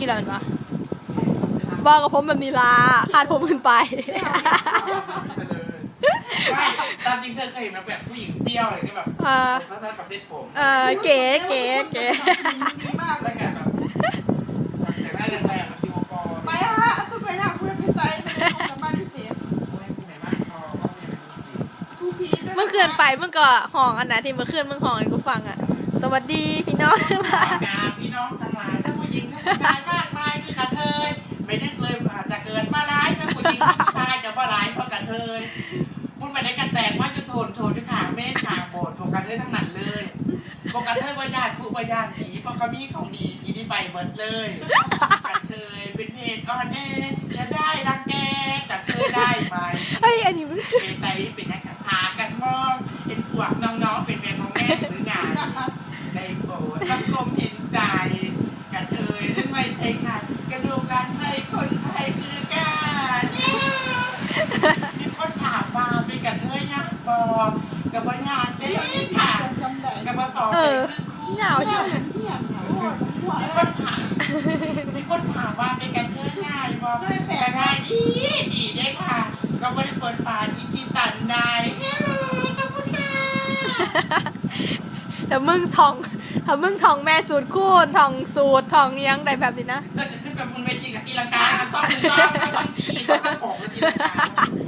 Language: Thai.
นี่แหละวะบอกกับผมแบบนี้ละคาดผมขึ้นไปไม่ตามจริงเธอเคยเห็นแบบผู้หญิงเปรี้ยวอะไรที่แบบเขาทำกับเซ็ตผมเก๋ดีมากแล้วแกแบบแต่ได้แรงๆแบบยูโกไปฮะสุดไปหนักเพื่อนพี่ใจไปทำบ้านพิเศษทูพีเมื่อคืนไปมึงก็ห้องอันไหนที่เมื่อคืนมึงห้องให้กูฟังอ่ะสวัสดีพี่น้องทั้งหลายพี่น้องทั้งหลายทั้งผู้หญิงทั้งผู้ชายมากมายที่กระเทยไม่นึกเลยอาจจะเกิดมาร้ายทั้งผู้หญิงทั้งผู้ชายจะว่าร้ายเท่ากระเทยพูดไปได้กันแตกว่าจะโทนที่ขาเมฆขาโบดโทกระเทยทั้งนั้นเลยโกกระเทยว่าญาติผู้ว่าญาติผีเพราะเขามีของดีผีที่ไปเบิดเลยกระเทยเป็นเพศอ่อนแอจะได้รังแกกระเทยได้ไหมอันนี้เป็นไตเป็นนักพากันมองเป็นพวกน้องๆเป็นแม่ของแม่หรืองานในโบสถ์สังคมเห็นใจกระเทยนั่นไม่ใช่ค่ะกระดูกการไทยคนไทยคือกันมีคนถามมาเป็นกระเทยยักษ์บอกกับปัญญาได้ยังค่ะกับมาสอนเป็นคู่เหงาใช่ไหมมีคนถามว่าเป็นกระเทยง่ายบอกแต่ง่ายดีได้ค่ะก็ไม่ได้เปิดฝาอีจีตันได้ขอบคุณค่ะถ้ามึงทองแม่สูตรคูณทองสูตรทองยังได้แบบนี้นะถ้าจะขึ้นแบบบนเวทีกับตีลังกาซ่อมหนึ่งซ่อมก็ซ่อมตีก็ต้องออกตีลังกา